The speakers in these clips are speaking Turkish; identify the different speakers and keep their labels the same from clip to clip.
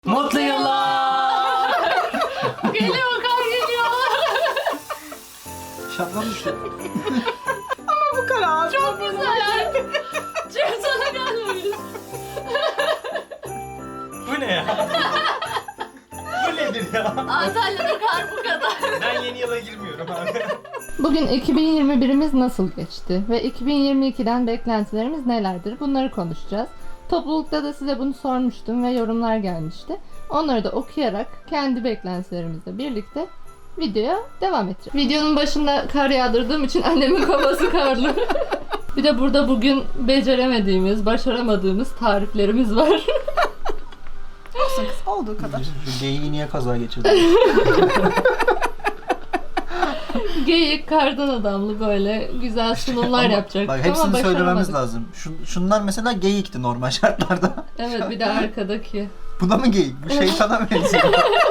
Speaker 1: Mutlu yıllar.
Speaker 2: Geliyor, kar geliyor.
Speaker 3: Şapkan düştü.
Speaker 4: Bu kadar.
Speaker 2: Çok güzel. Çok sana gelmemiş.
Speaker 1: Bu ne ya? Bu nedir ya?
Speaker 2: Antalya'da kar bu kadar.
Speaker 1: Ben yeni yıla girmiyorum abi.
Speaker 2: Bugün 2021'imiz nasıl geçti ve 2022'den beklentilerimiz nelerdir? Bunları konuşacağız. Toplulukta da size bunu sormuştum ve yorumlar gelmişti. Onları da okuyarak kendi beklentilerimizle birlikte videoya devam edeceğim. Videonun başında kar yağdırdığım için annemin kafası karlı. Bir de burada bugün beceremediğimiz, başaramadığımız tariflerimiz var.
Speaker 4: Olsun kız, olduğu kadar.
Speaker 3: Şu geyiği niye kaza geçirdi?
Speaker 2: Geyik, kardan adamlı böyle güzel sunumlar yapacaktık
Speaker 3: Bak
Speaker 2: ama
Speaker 3: hepsini söylememiz
Speaker 2: başaramadık.
Speaker 3: lazım. Şunlar mesela geyikti normal şartlarda.
Speaker 2: Evet, bir de arkadaki.
Speaker 3: Bu da mı geyik? Bu şeytana benziyor.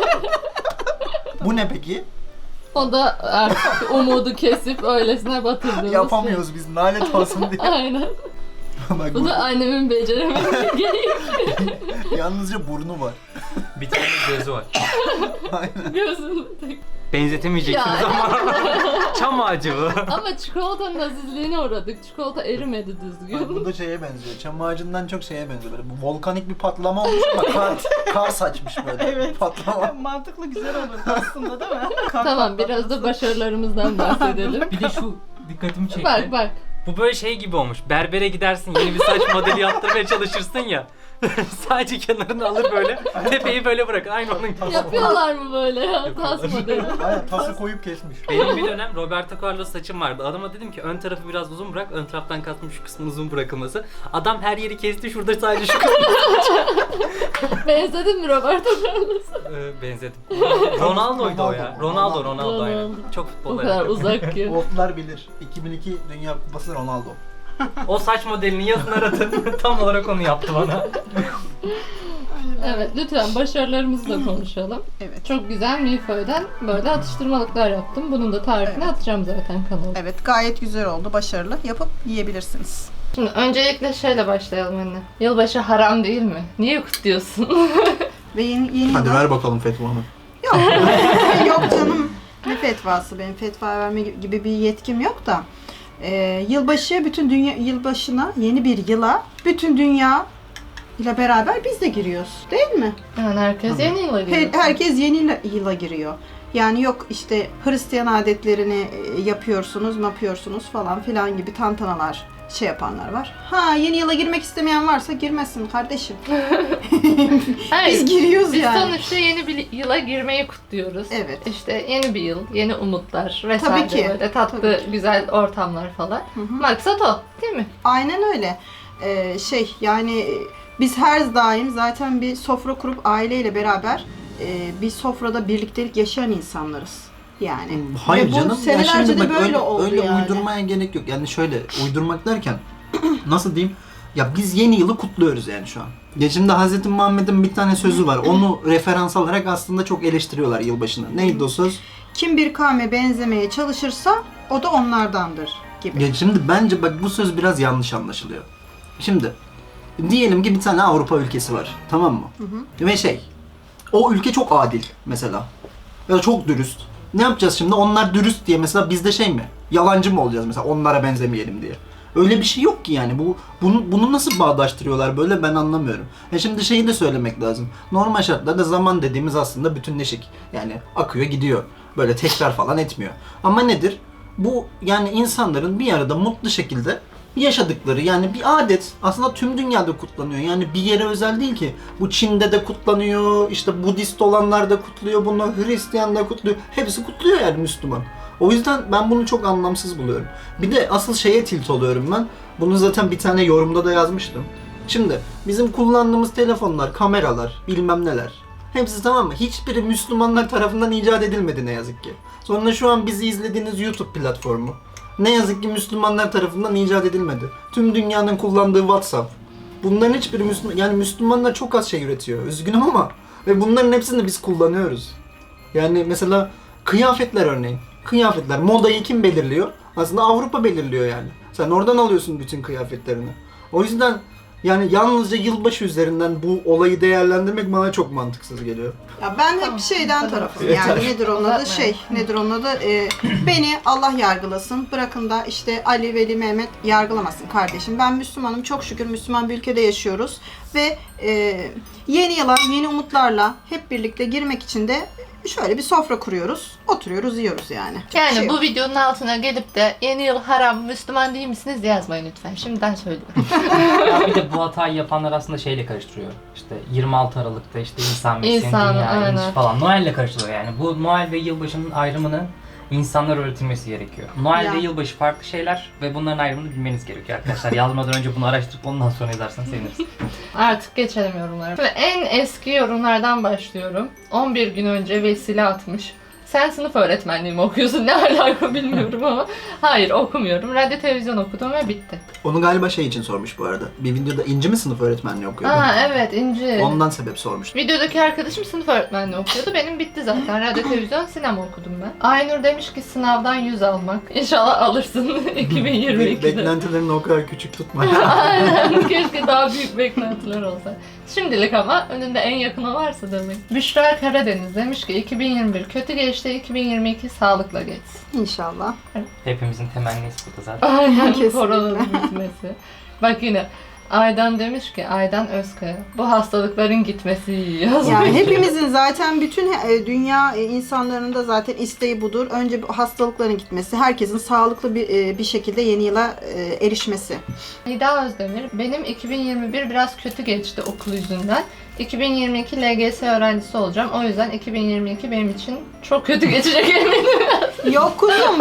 Speaker 3: Bu ne peki?
Speaker 2: O da artık umudu kesip öylesine batırdığımız
Speaker 3: Yapamıyoruz biz, lanet olsun diye.
Speaker 2: şey. Aynen.
Speaker 3: Bak
Speaker 2: Bu da annemin beceremediği geyik.
Speaker 3: yalnızca burnu var.
Speaker 1: Bir tane gözü var.
Speaker 3: Aynen.
Speaker 2: Gözünü tek.
Speaker 1: Benzetemeyeceksiniz
Speaker 2: Ya.
Speaker 1: ama çam ağacı bu.
Speaker 2: Ama çikolatanın azizliğine uğradık. Çikolata erimedi
Speaker 3: Bak,
Speaker 2: düzgün.
Speaker 3: bu da şeye benziyor. Çam ağacından çok şeye benziyor. Böyle bu volkanik bir patlama olmuş ama kar saçmış böyle.
Speaker 4: Evet.
Speaker 3: Patlama.
Speaker 4: Mantıklı, güzel olurdu aslında değil mi?
Speaker 2: Tamam, biraz da başarılarımızdan bahsedelim.
Speaker 1: Bir de şu dikkatimi çekti.
Speaker 2: Bak bak.
Speaker 1: Bu böyle şey gibi olmuş. Berbere gidersin, yeni bir saç modeli yaptırmaya çalışırsın ya. Sadece kenarını alır böyle, tepeyi böyle bırakır. Aynı onun gibi.
Speaker 2: Yapıyorlar mı böyle ya? Tas modeli.
Speaker 3: Aynen tası koyup kesmiş.
Speaker 1: Benim bir dönem Roberto Carlos saçım vardı. Adama dedim ki ön tarafı biraz uzun bırak, ön taraftan kastım şu kısmın uzun bırakılması. Adam her yeri kesti, şurada sadece şu kısmı
Speaker 2: Benzedin mi Roberto Carlos'a?
Speaker 1: benzedim. Ronaldo'ydu o ya. Ronaldo aynen.
Speaker 2: Ronaldo.
Speaker 1: Çok
Speaker 2: O
Speaker 1: futbol
Speaker 2: kadar
Speaker 1: alakalı.
Speaker 2: uzak ki.
Speaker 3: Wolf'lar bilir. 2002 Dünya Kupası Ronaldo.
Speaker 1: O saç modelini yazın aratın. Tam olarak onu yaptı bana.
Speaker 2: Evet, lütfen başarılarımızı da konuşalım.
Speaker 4: Evet.
Speaker 2: Çok güzel milföyden böyle atıştırmalıklar yaptım. Bunun da tarifini
Speaker 4: Evet.
Speaker 2: atacağım zaten kanala.
Speaker 4: Evet, gayet güzel oldu, başarılı. Yapıp yiyebilirsiniz.
Speaker 2: Şimdi öncelikle şeyle başlayalım anne. Yılbaşı haram değil mi? Niye kutluyorsun?
Speaker 4: Ve yeni
Speaker 3: Hadi
Speaker 4: yılda-
Speaker 3: ver bakalım fetvanı.
Speaker 4: Yok. Yok canım. Ne fetvası? Benim fetva verme gibi bir yetkim yok da. Yılbaşı, bütün dünya yılbaşına, yeni bir yıla bütün dünya ile beraber biz de giriyoruz. Değil mi?
Speaker 2: Yani herkes yeni yıla giriyor.
Speaker 4: Herkes yeni yıla giriyor. Yani yok işte Hristiyan adetlerini yapıyorsunuz, ne yapıyorsunuz falan filan gibi tantanalar şey yapanlar var. Ha, yeni yıla girmek istemeyen varsa girmesin kardeşim.
Speaker 2: Hayır,
Speaker 4: Biz giriyoruz
Speaker 2: biz
Speaker 4: yani.
Speaker 2: sonuçta yeni bir yıla girmeyi kutluyoruz.
Speaker 4: Evet.
Speaker 2: İşte yeni bir yıl, yeni umutlar vesaire,
Speaker 4: Tabii ki.
Speaker 2: böyle tatlı
Speaker 4: Tabii
Speaker 2: güzel ortamlar falan.
Speaker 4: Hı hı.
Speaker 2: Maksat o, değil mi?
Speaker 4: Aynen öyle. Yani biz her daim zaten bir sofra kurup aileyle beraber bir sofrada birliktelik yaşayan insanlarız. Yani.
Speaker 3: Hayır
Speaker 4: Ve bu
Speaker 3: canım. Ya
Speaker 4: senelerce
Speaker 3: şimdi
Speaker 4: de
Speaker 3: bak
Speaker 4: böyle
Speaker 3: öyle,
Speaker 4: oldu
Speaker 3: öyle
Speaker 4: yani.
Speaker 3: uydurmaya gerek yok. Yani şöyle uydurmak derken nasıl diyeyim? Ya biz yeni yılı kutluyoruz yani şu an. Ya şimdi Hz. Muhammed'in bir tane sözü var. Onu referans alarak aslında çok eleştiriyorlar yılbaşını. Neydi o söz?
Speaker 4: Kim bir kavme benzemeye çalışırsa o da onlardandır gibi.
Speaker 3: Ya şimdi bence bak bu söz biraz yanlış anlaşılıyor. Şimdi diyelim ki bir tane Avrupa ülkesi var. Tamam mı? Ve o ülke çok adil mesela. Ya da çok dürüst. Ne yapacağız şimdi? Onlar dürüst diye mesela biz de mi? Yalancı mı olacağız mesela onlara benzemeyelim diye. Öyle bir şey yok ki yani. Bunu nasıl bağdaştırıyorlar böyle ben anlamıyorum. Şimdi şeyi de söylemek lazım. Normal şartlarda zaman dediğimiz aslında bütünleşik. Yani akıyor gidiyor. Böyle tekrar falan etmiyor. Ama nedir? Bu yani insanların bir arada mutlu şekilde yaşadıkları yani bir adet aslında tüm dünyada kutlanıyor. Yani bir yere özel değil ki. Bu Çin'de de kutlanıyor, işte Budist olanlar da kutluyor bunu, Hristiyan da kutluyor. Hepsi kutluyor yani Müslüman. O yüzden ben bunu çok anlamsız buluyorum. Bir de asıl şeye tilt oluyorum ben. Bunu zaten bir tane yorumda da yazmıştım. Şimdi bizim kullandığımız telefonlar, kameralar, bilmem neler. Hepsi tamam mı? Hiçbiri Müslümanlar tarafından icat edilmedi ne yazık ki. Sonra şu an bizi izlediğiniz YouTube platformu. Ne yazık ki Müslümanlar tarafından icat edilmedi. Tüm dünyanın kullandığı WhatsApp. Bunların hiçbiri yani Müslümanlar çok az şey üretiyor. Üzgünüm ama ve bunların hepsini biz kullanıyoruz. Yani mesela kıyafetler örneğin. Kıyafetler, modayı kim belirliyor? Aslında Avrupa belirliyor yani. Sen oradan alıyorsun bütün kıyafetlerini. O yüzden Yani yalnızca yılbaşı üzerinden bu olayı değerlendirmek bana çok mantıksız geliyor.
Speaker 4: Ya ben hep
Speaker 2: Tamam,
Speaker 4: şeyden
Speaker 2: hadi
Speaker 4: tarafım
Speaker 3: bakalım.
Speaker 4: yani nedir onun adı
Speaker 2: Uzatmayalım.
Speaker 4: nedir onun adı beni Allah yargılasın, bırakın da işte Ali, Veli, Mehmet yargılamasın kardeşim. Ben Müslümanım, çok şükür Müslüman bir ülkede yaşıyoruz ve yeni yıla yeni umutlarla hep birlikte girmek için de şöyle bir sofra kuruyoruz, oturuyoruz, yiyoruz yani.
Speaker 2: Yani
Speaker 4: Şey
Speaker 2: bu
Speaker 4: yok.
Speaker 2: videonun altına gelip de yeni yıl haram, Müslüman değil misiniz yazmayın lütfen. Şimdiden söylüyorum.
Speaker 1: Ya bir de bu hatayı yapanlar aslında şeyle karıştırıyor. İşte 26 Aralık'ta işte İsa Mesih'in
Speaker 2: İsa'nın,
Speaker 1: dünyaya
Speaker 2: aynen.
Speaker 1: inişi falan. Noel'le karıştırıyor yani. Bu Noel ve yılbaşının ayrımını insanlar öğretilmesi gerekiyor. Noel
Speaker 4: Ya.
Speaker 1: ve yılbaşı farklı şeyler ve bunların ayrımını bilmeniz gerekiyor arkadaşlar. Yazmadan önce bunu araştırıp ondan sonra yazarsanız seviniriz.
Speaker 2: Artık geçelim yorumlara. Şimdi en eski yorumlardan başlıyorum. 11 gün önce vesile atmış. Sen sınıf öğretmenliği mi okuyorsun? Ne alaka bilmiyorum ama. Hayır, okumuyorum. Radyo televizyon okudum ve bitti.
Speaker 3: Onu galiba şey için sormuş bu arada. Bir videoda İnci mi sınıf öğretmenliği okuyordu?
Speaker 2: Aa evet, İnci.
Speaker 3: Ondan sebep sormuş.
Speaker 2: Videodaki arkadaşım sınıf öğretmenliği okuyordu. Benim bitti zaten. Radyo, televizyon, sinema okudum ben. Aynur demiş ki sınavdan 100 almak. İnşallah alırsın 2022'de.
Speaker 3: Beklentilerini o kadar küçük tutma.
Speaker 2: Aynen. Keşke daha büyük beklentiler olsa. Şimdilik ama önünde en yakını varsa demek. Büşra Karadeniz demiş ki 2021 kötü geçti, 2022 sağlıkla geçsin.
Speaker 4: İnşallah.
Speaker 1: Hepimizin temennisi burada zaten.
Speaker 2: Aynen,
Speaker 4: Kesinlikle.
Speaker 2: koronanın bitmesi. Bak yine Aydan demiş ki, Aydan Özkaya, bu hastalıkların gitmesi iyi yazmış.
Speaker 4: Yani hepimizin zaten bütün dünya insanların da zaten isteği budur. Önce bu hastalıkların gitmesi, herkesin sağlıklı bir şekilde yeni yıla erişmesi.
Speaker 2: Nida Özdemir, benim 2021 biraz kötü geçti okul yüzünden. 2022 LGS öğrencisi olacağım. O yüzden 2022 benim için çok kötü geçecek eminim.
Speaker 4: Yok kuzum.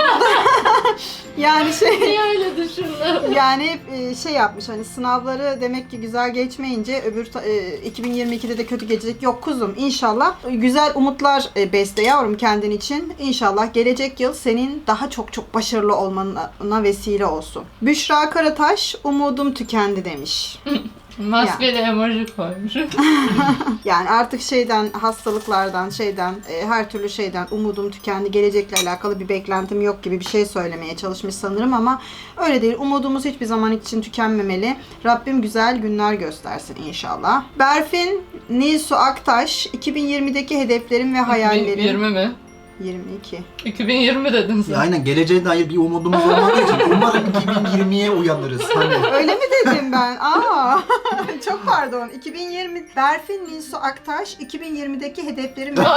Speaker 4: Yani
Speaker 2: Niye öyle düşündüm?
Speaker 4: yani hep şey yapmış hani sınavları demek ki güzel geçmeyince öbür 2022'de de kötü geçecek. Yok kuzum, inşallah güzel umutlar besle yavrum kendin için. İnşallah gelecek yıl senin daha çok başarılı olmana vesile olsun. Büşra Karataş, umudum tükendi demiş.
Speaker 2: Maskeli emoji koymuş.
Speaker 4: Yani artık hastalıklardan, her türlü şeyden umudum tükendi. Gelecekle alakalı bir beklentim yok gibi bir şey söylemeye çalışmış sanırım ama öyle değil. Umudumuz hiçbir zaman için tükenmemeli. Rabbim güzel günler göstersin inşallah. Berfin Nilsu Aktaş, 2020'deki hedeflerim ve hayallerim.
Speaker 2: 2020 mi?
Speaker 4: 22.
Speaker 2: 2020 dedin sen.
Speaker 3: Aynen, geleceğe dair bir umudumuz olmadığı için umarım 2020'ye uyanırız. Hani
Speaker 4: Öyle mi dedim ben? Aa, çok pardon. 2020 Berfin Nilsu Aktaş, 2020'deki hedeflerim ve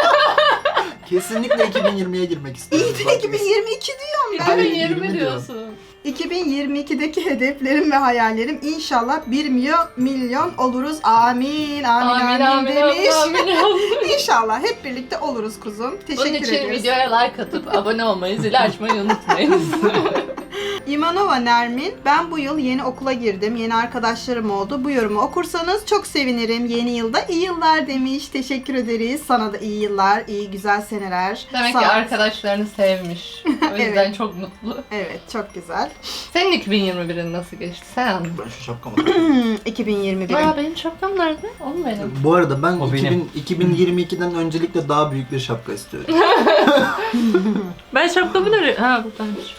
Speaker 3: kesinlikle 2020'ye girmek istiyoruz.
Speaker 4: İyi de 2022 diyorum ben.
Speaker 2: 2020
Speaker 3: 20
Speaker 2: diyorsun.
Speaker 4: 2022'deki hedeflerim ve hayallerim inşallah 1 milyon oluruz. Amin, amin, amin, demiş.
Speaker 2: amin.
Speaker 4: İnşallah hep birlikte oluruz kuzum.
Speaker 2: Bunun
Speaker 4: Teşekkür
Speaker 2: için
Speaker 4: ediyoruz.
Speaker 2: videoya like atıp abone olmayı, zil açmayı unutmayın.
Speaker 4: İmanova Nermin, ben bu yıl yeni okula girdim. Yeni arkadaşlarım oldu. Bu yorumu okursanız çok sevinirim. Yeni yılda iyi yıllar demiş. Teşekkür ederiz. Sana da iyi yıllar, iyi güzel seneler.
Speaker 2: Demek
Speaker 4: Sağ
Speaker 2: ki
Speaker 4: ol.
Speaker 2: arkadaşlarını sevmiş. O yüzden
Speaker 4: Evet.
Speaker 2: çok mutlu.
Speaker 4: Evet, çok güzel.
Speaker 2: Senin 2021'in nasıl geçti? Sen anlat.
Speaker 3: Ben şu şapkamı takayım.
Speaker 4: 2021.
Speaker 2: Aa, benim şapkam nerede? O mu benim?
Speaker 3: Bu arada ben
Speaker 1: O benim.
Speaker 3: 2022'den öncelikle daha büyük bir şapka istiyorum.
Speaker 2: Ben şapkamı nereye? Ha, buradaymış.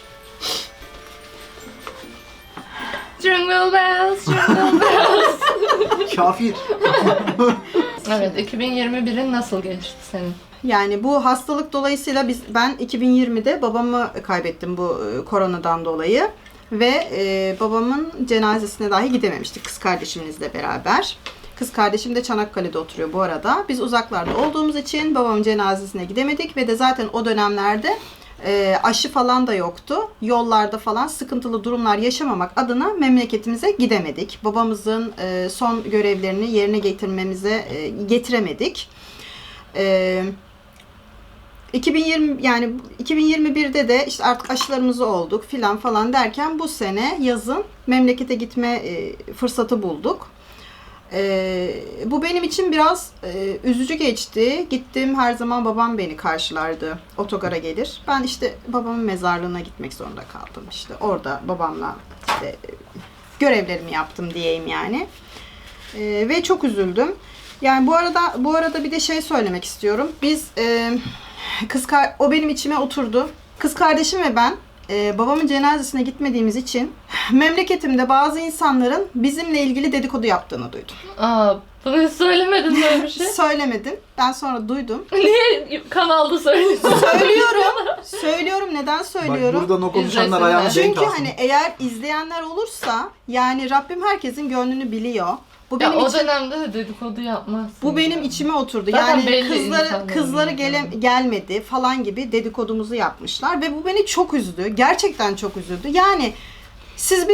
Speaker 2: Jingle bells, jingle bells.
Speaker 3: Kafir.
Speaker 2: Evet, 2021'in nasıl geçti senin?
Speaker 4: Yani bu hastalık dolayısıyla ben 2020'de babamı kaybettim bu koronadan dolayı ve babamın cenazesine dahi gidememiştik kız kardeşimizle beraber. Kız kardeşim de Çanakkale'de oturuyor bu arada. Biz uzaklarda olduğumuz için babamın cenazesine gidemedik ve de zaten o dönemlerde aşı falan da yoktu. Yollarda falan sıkıntılı durumlar yaşamamak adına memleketimize gidemedik. Babamızın son görevlerini yerine getiremedik. 2020 yani 2021'de de işte artık aşılarımızı olduk filan falan derken bu sene yazın memlekete gitme fırsatı bulduk. Bu benim için biraz üzücü geçti. Gittim, her zaman babam beni karşılardı. Otogara gelir. Ben işte babamın mezarlığına gitmek zorunda kaldım. İşte orada babamla işte görevlerimi yaptım diyeyim yani. Ve çok üzüldüm. Yani bu arada bir de şey söylemek istiyorum. Biz o benim içime oturdu. Kız kardeşim ve ben babamın cenazesine gitmediğimiz için memleketimde bazı insanların bizimle ilgili dedikodu yaptığını duydum.
Speaker 2: Aa, bunu hiç söylemedin böyle bir şey.
Speaker 4: Söylemedim. Ben sonra duydum.
Speaker 2: Niye kanalda söylüyorsun?
Speaker 4: Söylüyorum. Neden söylüyorum?
Speaker 3: Bak buradan o konuşanlar
Speaker 2: İzlesinler.
Speaker 3: ayağını denk
Speaker 4: Çünkü
Speaker 3: alsın.
Speaker 4: hani eğer izleyenler olursa yani Rabbim herkesin gönlünü biliyor. Bu
Speaker 2: Ya
Speaker 4: benim
Speaker 2: o
Speaker 4: için
Speaker 2: dönemde de dedikodu yapmazsın.
Speaker 4: bu benim içime oturdu.
Speaker 2: Zaten
Speaker 4: Yani
Speaker 2: belli
Speaker 4: kızları
Speaker 2: insanların
Speaker 4: gelmedi falan gibi dedikodumuzu yapmışlar ve bu beni çok üzdü. Gerçekten çok üzüldü. Yani siz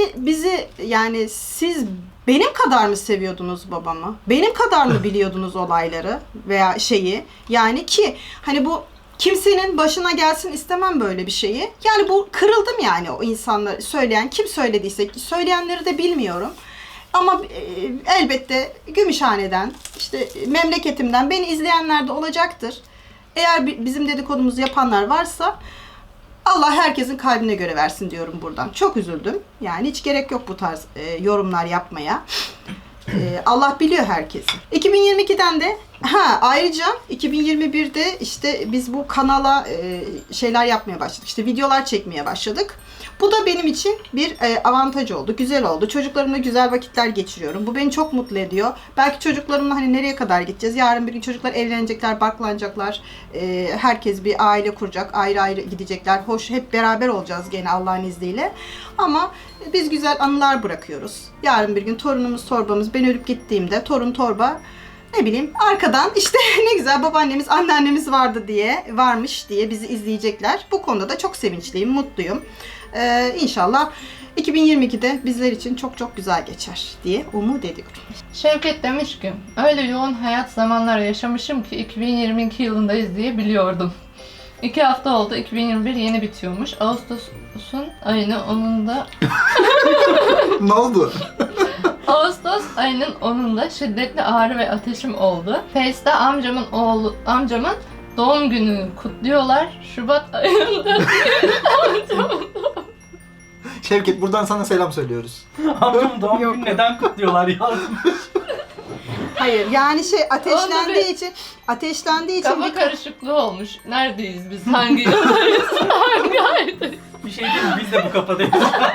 Speaker 4: siz benim kadar mı seviyordunuz babamı? Benim kadar mı biliyordunuz olayları veya şeyi? Yani ki hani bu kimsenin başına gelsin istemem böyle bir şeyi. Yani bu kırıldım yani o insanlar söyleyen kim söylediyse söyleyenleri de bilmiyorum. Ama elbette Gümüşhane'den işte memleketimden beni izleyenler de olacaktır. Eğer bizim dedikodumuzu yapanlar varsa Allah herkesin kalbine göre versin diyorum buradan. Çok üzüldüm. Yani hiç gerek yok bu tarz yorumlar yapmaya. Allah biliyor herkesi. 2022'den de ayrıca 2021'de işte biz bu kanala şeyler yapmaya başladık. İşte videolar çekmeye başladık. Bu da benim için bir avantaj oldu. Güzel oldu. Çocuklarımla güzel vakitler geçiriyorum. Bu beni çok mutlu ediyor. Belki çocuklarımla hani nereye kadar gideceğiz? Yarın bir gün çocuklar evlenecekler, barklanacaklar. Herkes bir aile kuracak. Ayrı ayrı gidecekler. Hoş hep beraber olacağız gene Allah'ın izniyle. Ama biz güzel anılar bırakıyoruz. Yarın bir gün torunumuz torbamız ben ölüp gittiğimde torun torba ne bileyim arkadan işte ne güzel babaannemiz anneannemiz varmış diye bizi izleyecekler. Bu konuda da çok sevinçliyim, mutluyum. İnşallah 2022'de bizler için çok çok güzel geçer diye umut ediyorum.
Speaker 2: Şevket demiş ki, öyle yoğun hayat zamanlar yaşamışım ki 2022 yılındayız diye biliyordum. 2 hafta oldu, 2021 yeni bitiyormuş. Ağustos'un ayının 10'unda
Speaker 3: Ne oldu?
Speaker 2: Ağustos ayının 10'unda şiddetli ağrı ve ateşim oldu. Face'te amcamın doğum gününü kutluyorlar. Şubat ayında
Speaker 3: Şevket buradan sana selam söylüyoruz.
Speaker 1: Amcam doğum
Speaker 4: Yok.
Speaker 1: günü neden kutluyorlar yazmış.
Speaker 4: Hayır yani
Speaker 2: Onda
Speaker 4: ateşlendiği için
Speaker 2: kafa karışıklığı olmuş. Neredeyiz biz? Hangi yıldayız? Hangi aydayız?
Speaker 1: Bir şey değil mi? Biz de bu kafadayız.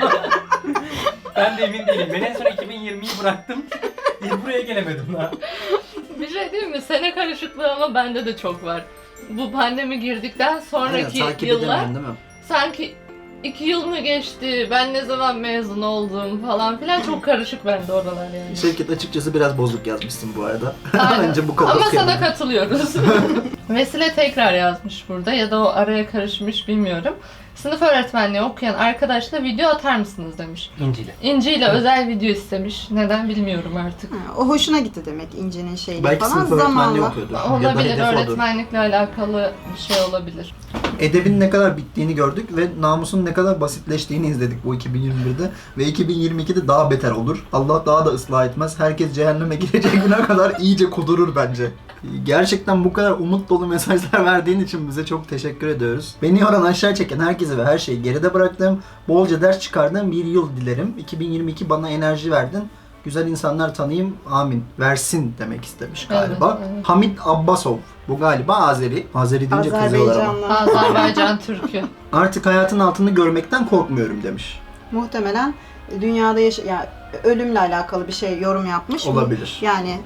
Speaker 1: Ben de emin değilim. Ben en son 2020'yi bıraktım. Buraya gelemedim daha.
Speaker 2: Bir şey değil mi? Sene karışıklığı ama bende de çok var. Bu pandemi girdikten
Speaker 3: Aynen,
Speaker 2: sonraki
Speaker 3: takip
Speaker 2: yıllar
Speaker 3: edemiyorsun değil mi?
Speaker 2: sanki 2 yıl mı geçti, ben ne zaman mezun oldum falan filan çok karışık bende oralar yani.
Speaker 3: Şevket açıkçası biraz bozuk yazmışsın bu arada.
Speaker 2: Aynen.
Speaker 3: Bence bu kadar
Speaker 2: Ama
Speaker 3: okuyalım.
Speaker 2: sana katılıyoruz. Vesile tekrar yazmış burada ya da o araya karışmış bilmiyorum. Sınıf öğretmenliği okuyan arkadaşla video atar mısınız demiş.
Speaker 1: İncil'e.
Speaker 2: İnci ile özel video istemiş. Neden bilmiyorum artık.
Speaker 4: o hoşuna gitti demek İnci'nin şeyi
Speaker 3: Belki
Speaker 4: falan
Speaker 3: sınıf öğretmenliği
Speaker 4: zamanla.
Speaker 3: okuyordur. Ya da
Speaker 2: Olabilir,
Speaker 3: hedefi odur.
Speaker 2: öğretmenlikle alakalı bir şey olabilir.
Speaker 3: Edebin ne kadar bittiğini gördük ve namusun ne kadar basitleştiğini izledik bu 2021'de. Ve 2022'de daha beter olur. Allah daha da ıslah etmez. Herkes cehenneme girecek güne kadar iyice kudurur bence. Gerçekten bu kadar umut dolu mesajlar verdiğin için bize çok teşekkür ediyoruz. Beni yoran aşağı çeken herkesi ve her şeyi geride bıraktığım, bolca ders çıkardığım bir yıl dilerim. 2022 bana enerji verdin. Güzel insanlar tanıyayım, amin. Versin demek istemiş galiba.
Speaker 2: Evet, evet.
Speaker 3: Hamit Abbasov. Bu galiba Azeri. Azeri deyince kızıyorlar ama.
Speaker 4: Azerbaycanlı.
Speaker 2: Azerbaycan Türk'ü.
Speaker 3: Artık hayatın altını görmekten korkmuyorum demiş.
Speaker 4: Muhtemelen dünyada yani ölümle alakalı bir şey yorum yapmış.
Speaker 3: Olabilir.
Speaker 4: Yani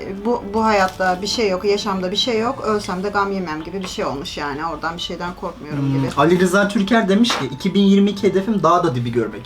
Speaker 4: bu hayatta bir şey yok, yaşamda bir şey yok. Ölsem de gam yemem gibi bir şey olmuş yani. Oradan bir şeyden korkmuyorum gibi.
Speaker 3: Ali Rıza Türker demiş ki 2022 hedefim daha da dibi görmek.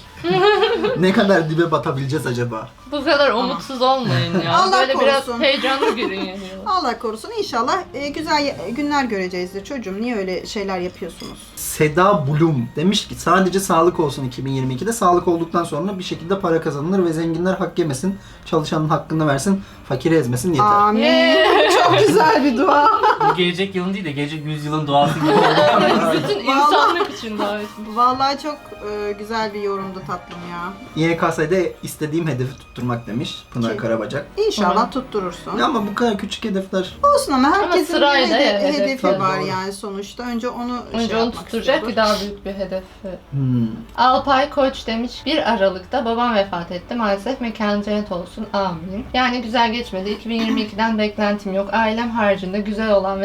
Speaker 3: Ne kadar dibe batabileceğiz acaba?
Speaker 2: Bu kadar umutsuz olmayın ya.
Speaker 4: Allah
Speaker 2: Böyle biraz
Speaker 4: korusun.
Speaker 2: heyecanlı girin yani.
Speaker 4: Allah korusun inşallah güzel günler göreceğizdir çocuğum. Niye öyle şeyler yapıyorsunuz?
Speaker 3: Seda Blum demiş ki sadece sağlık olsun 2022'de. Sağlık olduktan sonra bir şekilde para kazanılır ve zenginler hak yemesin. Çalışanın hakkını versin. Fakiri ezmesin yeter.
Speaker 4: Amin.
Speaker 2: Yeah.
Speaker 4: Çok güzel bir dua.
Speaker 1: Bu gelecek yılın değil de gelecek 100 yılın duası gibi oldu.
Speaker 2: Bütün insanlık için davet.
Speaker 4: Vallahi çok güzel bir yorumdu tatlım ya.
Speaker 3: YKS'de istediğim hedefi tutturmak demiş Pınar
Speaker 4: Şey-
Speaker 3: Karabacak.
Speaker 4: İnşallah tutturursun.
Speaker 3: Ya ama bu kadar küçük hedefler.
Speaker 4: Olsun ama herkesin bir
Speaker 2: sırayla hedef,
Speaker 4: hedefi
Speaker 3: tabii,
Speaker 4: var
Speaker 3: doğru.
Speaker 4: yani sonuçta. Önce onu
Speaker 2: Önce onu
Speaker 4: yapmak
Speaker 2: tutturacak
Speaker 4: istiyordur.
Speaker 2: ki daha büyük bir hedef.
Speaker 3: Hmm.
Speaker 2: Alpay Koç demiş 1 Aralık'ta babam vefat etti. Maalesef mekanı cennet olsun. Amin. Yani güzel geçmedi. 2022'den beklentim yok. Ailem haricinde güzel olan ve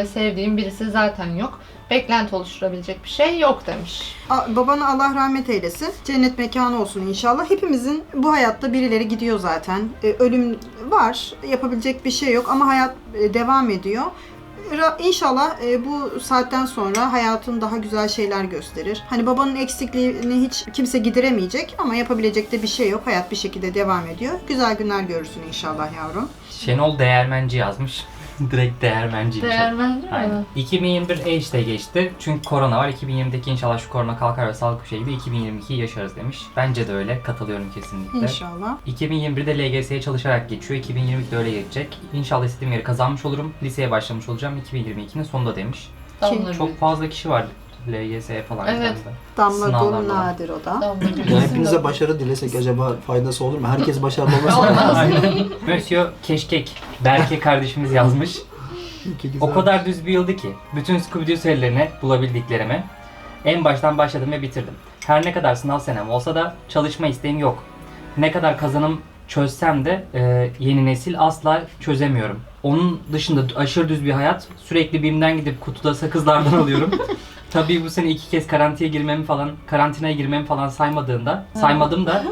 Speaker 2: ve sevdiğim birisi zaten yok. Beklenti oluşturabilecek bir şey yok demiş.
Speaker 4: Babana Allah rahmet eylesin. Cennet mekanı olsun inşallah. Hepimizin bu hayatta birileri gidiyor zaten. Ölüm var. Yapabilecek bir şey yok ama hayat devam ediyor. İnşallah bu saatten sonra hayatın daha güzel şeyler gösterir. Hani babanın eksikliğini hiç kimse gideremeyecek ama yapabilecek de bir şey yok. Hayat bir şekilde devam ediyor. Güzel günler görürsün inşallah yavrum.
Speaker 1: Şenol Değermenci yazmış. Direkt Değermenciymiş.
Speaker 2: Değermenci mi?
Speaker 1: Aynen. 2021 işte geçti. Çünkü korona var. 2020'deki inşallah şu korona kalkar ve sağlıklı bir şey gibi 2022'yi yaşarız demiş. Bence de öyle. Katılıyorum kesinlikle.
Speaker 4: İnşallah.
Speaker 1: 2021'de LGS'ye çalışarak geçiyor. 2022'de öyle geçecek. İnşallah istediğim yeri kazanmış olurum. Liseye başlamış olacağım 2022'nin sonunda demiş.
Speaker 2: Damla
Speaker 1: Çok fazla kişi var LGS'ye falan.
Speaker 2: Evet.
Speaker 1: giden de.
Speaker 4: Damla
Speaker 1: Sınavlar
Speaker 4: gül
Speaker 1: var.
Speaker 4: nadir o da.
Speaker 3: Ya hepinize başarı dilesek acaba faydası olur mu? Herkes başarılı olmasın.
Speaker 1: Aynen. Monsieur Keşkek Berke kardeşimiz yazmış. O kadar düz bir yıldı ki bütün Scooby-Doo serilerini bulabildiklerimi en baştan başladım ve bitirdim. Her ne kadar sınav senem olsa da çalışma isteğim yok. Ne kadar kazanım çözsem de yeni nesil asla çözemiyorum. Onun dışında aşırı düz bir hayat. Sürekli BİM'den gidip kutuda sakızlardan alıyorum. Tabii bu sene 2 kez karantinaya girmemi falan saymadım da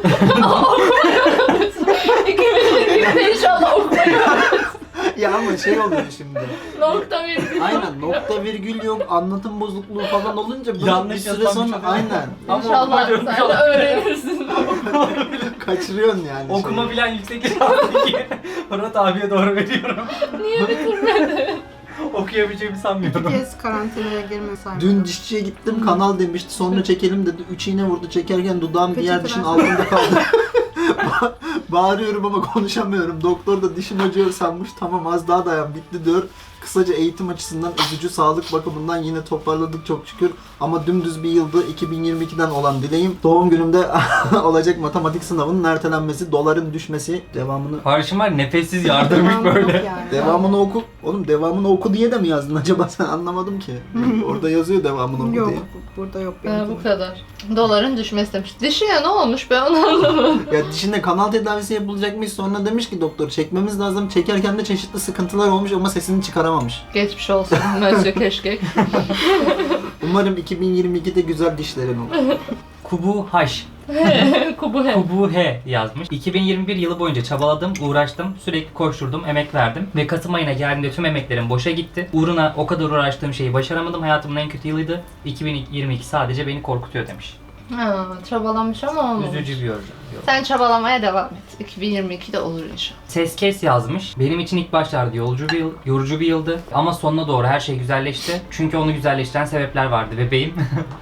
Speaker 2: 2020'de inşallah okumayı
Speaker 3: Ya ama şey oluyor şimdi.
Speaker 2: nokta virgül.
Speaker 3: Aynen nokta virgül yok, anlatım bozukluğu falan olunca böyle
Speaker 1: Yanlış
Speaker 3: bir süre
Speaker 1: yazılan bir
Speaker 3: sonra
Speaker 1: şey.
Speaker 3: aynen
Speaker 2: İnşallah sen de öğrenirsin.
Speaker 3: kaçırıyorsun yani.
Speaker 1: okuma
Speaker 3: şeyi.
Speaker 1: bilen yüksek lisanstaki Murat abiye doğru veriyorum.
Speaker 2: Niye bitirmedin?
Speaker 1: Okuyabileceğimi
Speaker 4: Bir
Speaker 1: sanmıyorum.
Speaker 4: kez karantinaya girme saymadım.
Speaker 3: Dün dişçiye gittim, kanal demişti, sonra çekelim dedi. 3 iğne vurdu, çekerken dudağım diğer dişin altında kaldı. Bağırıyorum ama konuşamıyorum. Doktor da dişim acıyor sanmış. Tamam az daha dayan, bitti diyor. Kısaca eğitim açısından üzücü, sağlık bakımından yine toparladık çok şükür. Ama dümdüz bir yıldı. 2022'den olan dileğim doğum günümde olacak matematik sınavının ertelenmesi, doların düşmesi, devamını
Speaker 1: Karşım var nefessiz yardırmış
Speaker 4: Devamı yok
Speaker 1: böyle.
Speaker 4: yani.
Speaker 3: devamını oku. Oğlum devamını oku diye de mi yazdın acaba, sen anlamadım ki. Orada yazıyor devamını oku
Speaker 4: Yok,
Speaker 3: diye.
Speaker 4: burada yok
Speaker 2: Bu
Speaker 4: benim.
Speaker 2: kadar. Doların düşmesi demiş. Dişine ne olmuş ben onu anlamadım.
Speaker 3: Ya dişinde kanal tedavisi yapılacakmış, sonra demiş ki doktor çekmemiz lazım. Çekerken de çeşitli sıkıntılar olmuş ama sesini çıkaramamış.
Speaker 2: Geçmiş olsun Monsieur Keşkek.
Speaker 3: Umarım 2022'de güzel dişlerin olur.
Speaker 1: Kubu Haş.
Speaker 2: Kubu he.
Speaker 1: Kubu He yazmış. 2021 yılı boyunca çabaladım, uğraştım, sürekli koşturdum, emek verdim ve Kasım ayına geldiğimde tüm emeklerim boşa gitti. Uğruna o kadar uğraştığım şeyi başaramadım. Hayatımın en kötü yılıydı. 2022 sadece beni korkutuyor demiş.
Speaker 2: Ha, çabalamış ama olmamış.
Speaker 1: Üzücü bir yorum.
Speaker 2: Sen çabalamaya devam et. 2022'de olur inşallah.
Speaker 1: Ses kes yazmış. Benim için ilk başlarda yorucu bir yıldı. Ama sonuna doğru her şey güzelleşti. Çünkü onu güzelleştiren sebepler vardı bebeğim.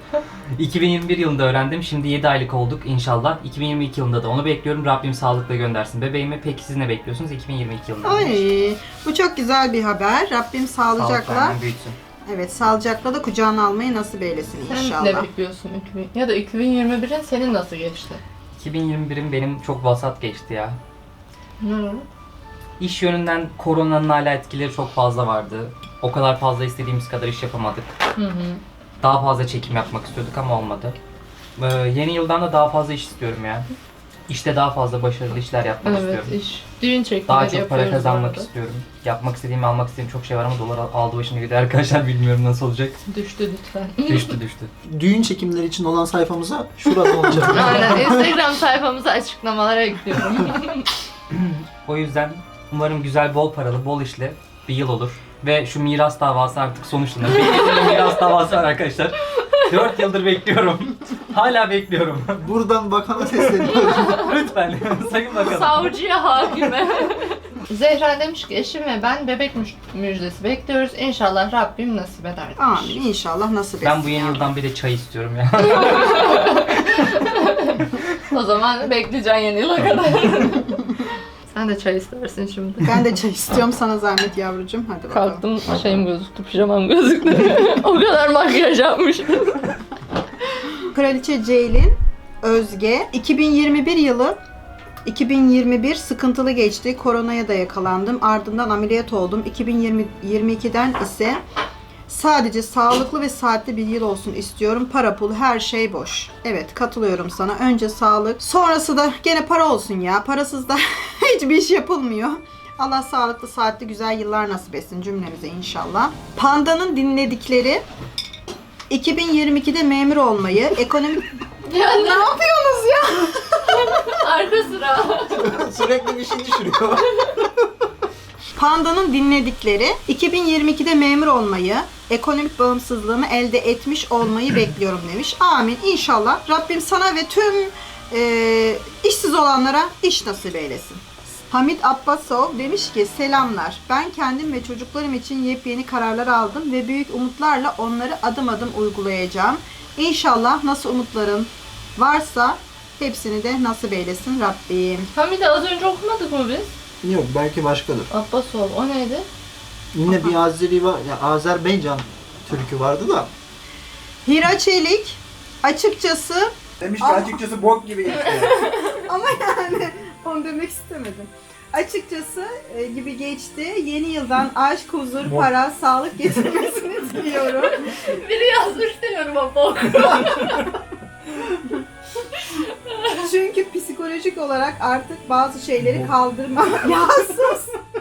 Speaker 1: 2021 yılında öğrendim. Şimdi 7 aylık olduk inşallah. 2022 yılında da onu bekliyorum. Rabbim sağlıkla göndersin bebeğimi. Peki siz ne bekliyorsunuz 2022 yılında?
Speaker 4: Ay, bu çok güzel bir haber. Rabbim sağlıcakla,
Speaker 1: Sağlıkla büyütsün.
Speaker 4: evet sağlıcakla da kucağına almayı nasip eylesin
Speaker 2: Sen
Speaker 4: inşallah.
Speaker 2: ne bekliyorsun? Ya da 2021'in senin nasıl geçti?
Speaker 1: 2021'im benim çok vasat geçti ya.
Speaker 2: Hı.
Speaker 1: İş yönünden koronanın hala etkileri çok fazla vardı. O kadar fazla istediğimiz kadar iş yapamadık.
Speaker 2: Hı hı.
Speaker 1: Daha fazla çekim yapmak istiyorduk ama olmadı. Yeni yıldan da daha fazla iş istiyorum ya. İşte daha fazla başarılı işler yapmak
Speaker 2: Evet
Speaker 1: istiyorum.
Speaker 2: iş. Düğün çekimleri
Speaker 1: Daha çok
Speaker 2: yapıyoruz
Speaker 1: para kazanmak
Speaker 2: bu arada.
Speaker 1: istiyorum. Yapmak istediğim, almak istediğim çok şey var ama dolar aldı başını gidiyor arkadaşlar, bilmiyorum nasıl olacak.
Speaker 2: Düştü lütfen.
Speaker 1: Düştü.
Speaker 3: Düğün çekimleri için olan sayfamıza şurada olacak.
Speaker 2: Aynen. Instagram sayfamıza açıklamalara ekliyorum.
Speaker 1: O yüzden umarım güzel, bol paralı, bol işli bir yıl olur. Ve şu miras davası artık sonuçlanır. Bir miras davası var arkadaşlar. 4 yıldır bekliyorum. Hala bekliyorum.
Speaker 3: Buradan bakana sesleniyorum.
Speaker 1: Lütfen sayın bakalım.
Speaker 2: Savcıya, hakime. Zehra demiş ki eşim ve ben bebek müjdesi bekliyoruz. İnşallah Rabbim nasip eder demiş.
Speaker 4: Amin inşallah nasip etsin.
Speaker 1: Ben bu yeni yıldan bir de çay istiyorum ya.
Speaker 2: O zaman bekleyeceksin yeni yıla kadar. Sen de çay istersin şimdi.
Speaker 4: Ben de çay istiyorum sana zahmet yavrucuğum. Hadi bakalım.
Speaker 2: Kalktım şeyim gözüktü, pijamam gözüktü. O kadar makyaj yapmış.
Speaker 4: Kraliçe Ceylin Özge 2021 sıkıntılı geçti. Koronaya da yakalandım. Ardından ameliyat oldum. 2022'den ise sadece sağlıklı ve saatli bir yıl olsun istiyorum. Para pul her şey boş. Evet katılıyorum sana. Önce sağlık. Sonrası da gene para olsun ya. Parasız da hiçbir iş yapılmıyor. Allah sağlıklı, saatli, güzel yıllar nasip etsin cümlemize inşallah. Panda'nın dinledikleri 2022'de memur olmayı, ekonomik...
Speaker 2: Ya
Speaker 4: Ne yapıyorsunuz ya?
Speaker 2: arka sıra.
Speaker 3: Sürekli bir şey düşürüyor.
Speaker 4: Panda'nın dinledikleri 2022'de memur olmayı, ekonomik bağımsızlığımı elde etmiş olmayı bekliyorum demiş. Amin. İnşallah Rabbim sana ve tüm işsiz olanlara iş nasip eylesin. Hamit Abbasov demiş ki selamlar. Ben kendim ve çocuklarım için yepyeni kararlar aldım ve büyük umutlarla onları adım adım uygulayacağım. İnşallah nasıl umutların varsa hepsini de nasip eylesin Rabbim.
Speaker 2: Hamide az önce okumadık mı biz?
Speaker 3: Yok, belki başkadır.
Speaker 2: Abbasov o neydi?
Speaker 3: Yine bir Azeri var, ya Azerbaycan türkü vardı da.
Speaker 4: Hira Çelik açıkçası
Speaker 3: Demiş
Speaker 4: Ama-
Speaker 3: açıkçası bok gibi geçti.
Speaker 4: ama yani onu demek istemedim. Açıkçası gibi geçti. Yeni yıldan aşk, huzur, para, sağlık getirmesini diliyorum.
Speaker 2: Biri yazmış diyorum ama
Speaker 4: Çünkü psikolojik olarak artık bazı şeyleri kaldırma. Ya sus!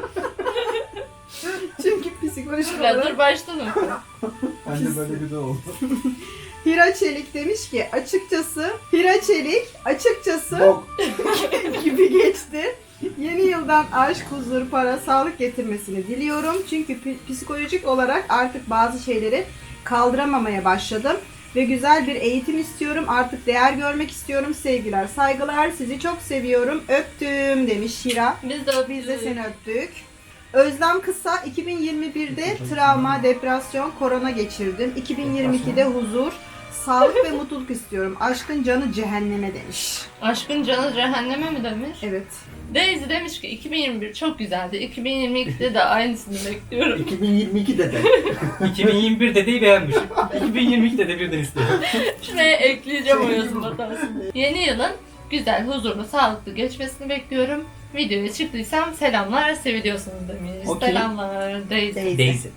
Speaker 4: Çünkü psikolojik
Speaker 2: Ya dur
Speaker 4: olarak
Speaker 2: baştan oku.
Speaker 3: Ben de böyle güzel oldu.
Speaker 4: Hira Çelik demiş ki Hira Çelik açıkçası
Speaker 3: Bok.
Speaker 4: gibi geçti. Yeni yıldan aşk, huzur, para, sağlık getirmesini diliyorum. Çünkü psikolojik olarak artık bazı şeyleri kaldıramamaya başladım. Ve güzel bir eğitim istiyorum. Artık değer görmek istiyorum. Sevgiler, saygılar. Sizi çok seviyorum. Öptüm demiş Hira. Biz de seni öptük. Özlem Kısa 2021'de travma, depresyon, korona geçirdim. 2022'de huzur, sağlık ve mutluluk istiyorum. Aşkın canı cehenneme demiş.
Speaker 2: Aşkın canı cehenneme mi demiş?
Speaker 4: Evet.
Speaker 2: Daisy demiş ki 2021 çok güzeldi. 2022'de de aynısını bekliyorum.
Speaker 3: 2022'de de.
Speaker 1: 2021 dedeyi beğenmiş. 2022'de de birden istiyor.
Speaker 2: Şuraya ekleyeceğim o yazım hatasını. Yeni yılın güzel, huzurlu, sağlıklı geçmesini bekliyorum. Videoya çıktıysam selamlar, seviliyorsunuz demiş.
Speaker 3: Okey.
Speaker 2: Selamlar Daisy.
Speaker 1: Daisy.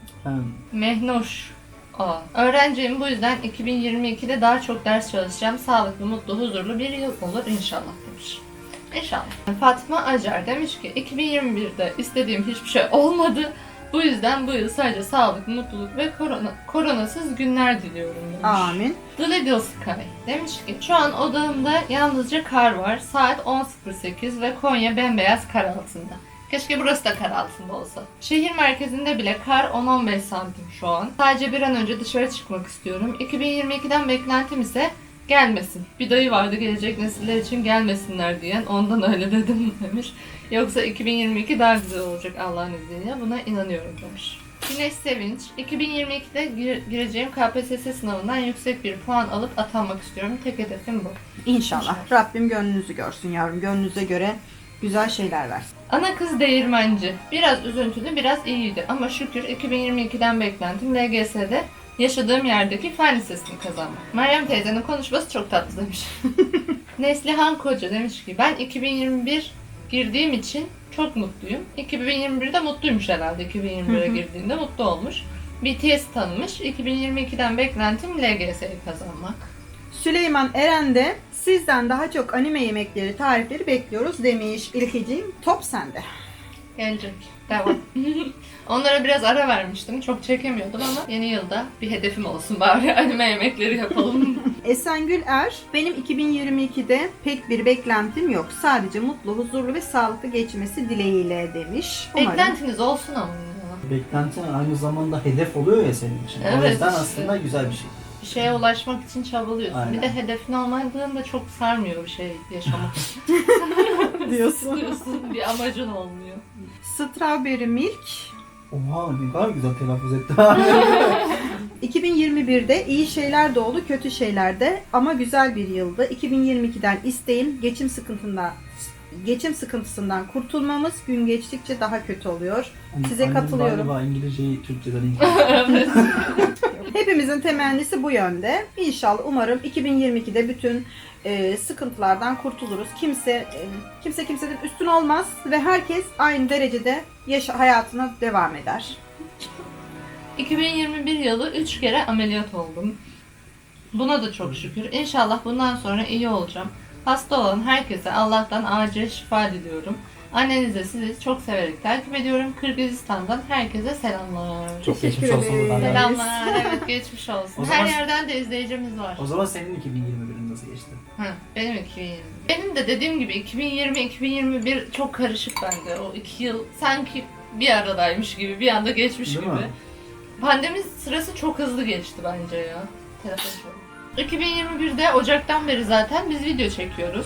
Speaker 2: Mehnoş. Öğrenciyim, bu yüzden 2022'de daha çok ders çalışacağım. Sağlıklı, mutlu, huzurlu bir yıl olur inşallah demiş. İnşallah. Fatma Acar demiş ki 2021'de istediğim hiçbir şey olmadı. Bu yüzden bu yıl sadece sağlık, mutluluk ve koronasız günler diliyorum demiş.
Speaker 4: Amin.
Speaker 2: The Little Sky demiş ki şu an odamda yalnızca kar var. Saat 10.08 ve Konya bembeyaz kar altında. Keşke burası da kar altında olsa. Şehir merkezinde bile kar 10-15 santim şu an. Sadece bir an önce dışarı çıkmak istiyorum. 2022'den beklentim ise gelmesin. Bir dayı vardı gelecek nesiller için gelmesinler diyen, ondan öyle dedim demiş. Yoksa 2022 daha güzel olacak Allah'ın izniyle. Buna inanıyorum demiş. Güneş Sevinç, 2022'de gireceğim KPSS sınavından yüksek bir puan alıp atanmak istiyorum. Tek hedefim bu.
Speaker 4: İnşallah. Rabbim gönlünüzü görsün yavrum. Gönlünüze göre güzel şeyler versin.
Speaker 2: Ana kız değirmenci. Biraz üzüntülü, biraz iyiydi ama şükür 2022'den beklentim LGS'de yaşadığım yerdeki fen lisesini kazanmak. Meryem teyzenin konuşması çok tatlı demiş. Neslihan Koca demiş ki ben 2021 girdiğim için çok mutluyum. 2021'de mutluymuş herhalde. 2021'e girdiğinde mutlu olmuş. BTS tanımış. 2022'den beklentim LGS'yi kazanmak.
Speaker 4: Süleyman Eren de sizden daha çok anime yemekleri, tarifleri bekliyoruz demiş. İlkeciğim top sende.
Speaker 2: Gelecek. Devam. Onlara biraz ara vermiştim. Çok çekemiyordum ama yeni yılda bir hedefim olsun. Bari anime yemekleri yapalım.
Speaker 4: Esengül Er, benim 2022'de pek bir beklentim yok. Sadece mutlu, huzurlu ve sağlıklı geçmesi dileğiyle demiş. Umarım.
Speaker 2: Beklentiniz olsun ama ya.
Speaker 3: Beklentin aynı zamanda hedef oluyor ya senin için. O
Speaker 2: Evet,
Speaker 3: yüzden
Speaker 2: işte.
Speaker 3: aslında güzel bir şey.
Speaker 2: Bir şeye ulaşmak için çabalıyorsun.
Speaker 3: Aynen.
Speaker 2: Bir de hedefin olmadığında çok sarmıyor bir şey yaşamak.
Speaker 4: diyorsun.
Speaker 2: Sıkıyorsun, bir amacın olmuyor.
Speaker 4: Strawberry Milk,
Speaker 3: Oha ne kadar güzel telaffuz etti.
Speaker 4: 2021'de iyi şeyler de oldu, kötü şeyler de ama güzel bir yıldı. 2022'den isteğim geçim sıkıntısından kurtulmamız gün geçtikçe daha kötü oluyor. Size
Speaker 3: Annem
Speaker 4: katılıyorum.
Speaker 3: Galiba İngilizceyi Türkçeden İngilizce.
Speaker 4: Hepimizin temennisi bu yönde. İnşallah umarım 2022'de bütün sıkıntılardan kurtuluruz. Kimse kimseden üstün olmaz ve herkes aynı derecede hayatına devam eder.
Speaker 2: 2021 yılı 3 kere ameliyat oldum. Buna da çok şükür. İnşallah bundan sonra iyi olacağım. Hasta olan herkese Allah'tan acil şifa diliyorum. Annenize sizi çok severek takip ediyorum. Kırgızistan'dan herkese selamlar.
Speaker 1: Çok
Speaker 4: Teşekkür
Speaker 1: geçmiş olsun
Speaker 4: ederiz.
Speaker 1: buradan. da.
Speaker 2: Selamlar. Evet, geçmiş olsun.
Speaker 3: O zaman-
Speaker 2: Her yerden de izleyicimiz var.
Speaker 3: O zaman senin 2021'in nasıl geçti?
Speaker 2: Hı, benim 2020. Benim de dediğim gibi 2020-2021 çok karışık bende. O 2 yıl sanki bir aradaymış gibi, bir anda geçmiş
Speaker 3: Değil
Speaker 2: gibi.
Speaker 3: mi?
Speaker 2: Pandemi sırası çok hızlı geçti bence ya. Telefon çalıyor. 2021'de Ocak'tan beri zaten biz video çekiyoruz.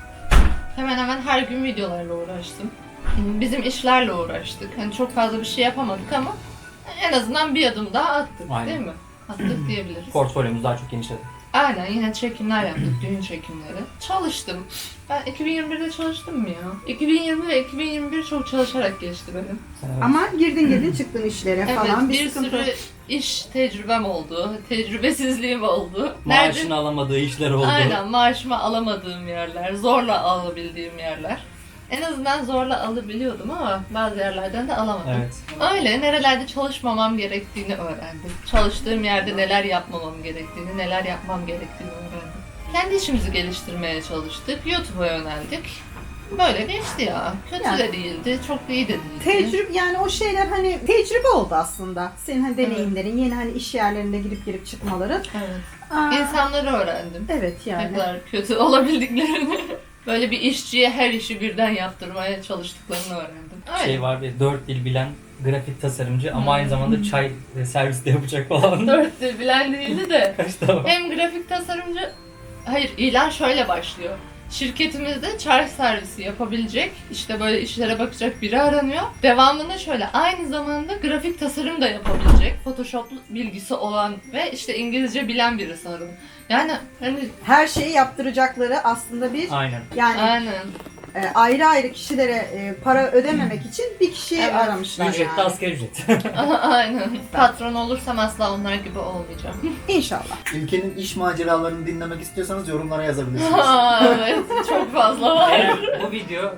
Speaker 2: Hemen hemen her gün videolarla uğraştım. Bizim işlerle uğraştık. Hani çok fazla bir şey yapamadık ama en azından bir adım daha attık,
Speaker 1: Aynen.
Speaker 2: değil mi? Attık diyebiliriz.
Speaker 1: Portfolyomuz daha çok genişledi.
Speaker 2: Aynen, yine çekimler yaptık, düğün çekimleri. Çalıştım. Ben 2021'de çalıştım mı ya? 2020 ve 2021 çok çalışarak geçti benim.
Speaker 4: Ama girdin çıktın işlere
Speaker 2: Evet,
Speaker 4: falan
Speaker 2: bir
Speaker 4: sıkıntı.
Speaker 2: sürü iş tecrübem oldu, tecrübesizliğim oldu.
Speaker 1: Maaşını alamadığı işler oldu.
Speaker 2: Aynen, maaşımı alamadığım yerler, zorla alabildiğim yerler. En azından zorla alabiliyordum ama bazı yerlerden de alamadım.
Speaker 1: Evet.
Speaker 2: Öyle, nerelerde çalışmamam gerektiğini öğrendim. Çalıştığım yerde neler yapmamam gerektiğini, neler yapmam gerektiğini öğrendim. Kendi işimizi geliştirmeye çalıştık, YouTube'a yöneldik. Böyle geçti ya. Kötü
Speaker 4: Yani.
Speaker 2: de değildi, çok da iyi de değildi.
Speaker 4: Tecrübe, yani o şeyler hani tecrübe oldu aslında. Senin hani deneyimlerin, yeni hani iş yerlerinde girip çıkmaların.
Speaker 2: Evet.
Speaker 4: Aa,
Speaker 2: İnsanları öğrendim.
Speaker 4: evet
Speaker 2: Ne
Speaker 4: yani.
Speaker 2: kadar kötü olabildiklerini. Böyle bir işçiye her işi birden yaptırmaya çalıştıklarını öğrendim. Öyle.
Speaker 1: Şey var bir 4 dil bilen grafik tasarımcı ama aynı zamanda çay servis de yapacak falan.
Speaker 2: 4 dil bilen değildi de.
Speaker 1: Kaç tamam.
Speaker 2: Hem grafik tasarımcı... Hayır, ilan şöyle başlıyor. Şirketimizde çay servisi yapabilecek, işte böyle işlere bakacak biri aranıyor. Devamında şöyle, aynı zamanda grafik tasarım da yapabilecek, Photoshop bilgisi olan ve işte İngilizce bilen birisi aranıyor. Yani hani
Speaker 4: Her şeyi yaptıracakları aslında bir
Speaker 1: Aynen.
Speaker 4: yani
Speaker 2: aynen.
Speaker 4: ayrı ayrı kişilere para ödememek için bir kişiyi
Speaker 2: Evet.
Speaker 4: aramışlar
Speaker 1: Ücret de
Speaker 4: yani.
Speaker 1: asgari ücret.
Speaker 2: Aynen. Patron olursam asla onlar gibi olmayacağım.
Speaker 4: İnşallah.
Speaker 3: Ülkenin iş maceralarını dinlemek istiyorsanız yorumlara yazabilirsiniz.
Speaker 2: Aa, evet, çok fazla var.
Speaker 1: Eğer bu video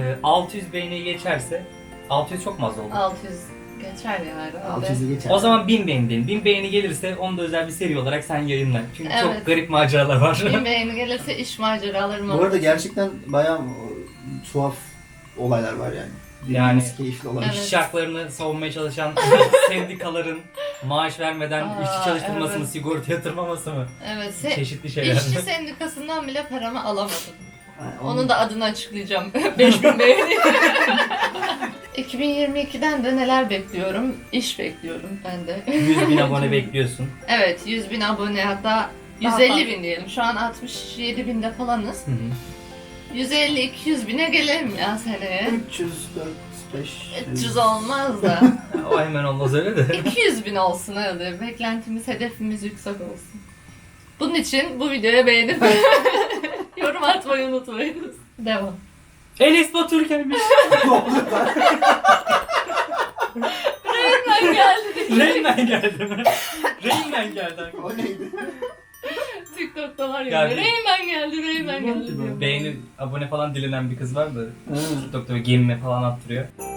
Speaker 1: 600 beğeni geçerse 600 çok mu az oldu?
Speaker 2: 600 geçer ya herhalde.
Speaker 3: 600'ü geçer.
Speaker 1: O zaman 1000 beğeni diyelim. 1000 beğeni gelirse onu da özel bir seri olarak sen yayınla. Çünkü çok
Speaker 2: Evet.
Speaker 1: garip maceralar var.
Speaker 2: 1000 beğeni gelirse iş maceralarım
Speaker 3: Bu
Speaker 2: olur.
Speaker 3: arada gerçekten bayağı tuhaf olaylar var yani.
Speaker 1: Yani-
Speaker 3: Dinlemesi keyifli olabilir.
Speaker 2: Evet.
Speaker 1: İşçi haklarını savunmaya çalışan sendikaların maaş vermeden
Speaker 2: Aa,
Speaker 1: işçi çalıştırmasını,
Speaker 2: evet.
Speaker 1: sigorta yatırmaması mı?
Speaker 2: Evet,
Speaker 1: Çeşitli şeyler.
Speaker 2: işçi sendikasından bile paramı alamadım.
Speaker 3: Yani
Speaker 2: Onun da adını açıklayacağım. 5000 beğeni. 2022'den de neler bekliyorum? İş bekliyorum ben de.
Speaker 1: 100.000 abone bekliyorsun.
Speaker 2: Evet, 100.000 abone, hatta
Speaker 4: Daha
Speaker 2: 150.000 diyelim. Şu an 67.000'de falanız.
Speaker 1: Hı hı.
Speaker 2: 150-200 bine gelelim ya seneye.
Speaker 3: 300, 400, 500.
Speaker 2: 300 olmaz da.
Speaker 1: O hemen olmaz öyle de.
Speaker 2: 200.000 olsun hadi. Beklentimiz, hedefimiz yüksek olsun. Bunun için bu videoya beğenip yorum atmayı unutmayınız. Devam.
Speaker 1: Enes Batur gelmiş.
Speaker 2: Ben geldim.
Speaker 1: Rain geldi mi? Rain geldi.
Speaker 3: O neydi?
Speaker 2: TikTok'ta var ya.
Speaker 1: Geldi.
Speaker 2: Reymen geldi, Reymen geldi diyor.
Speaker 1: Beğeni, abone falan dilenen bir kız var da TikTok'ta böyle gemime falan attırıyor.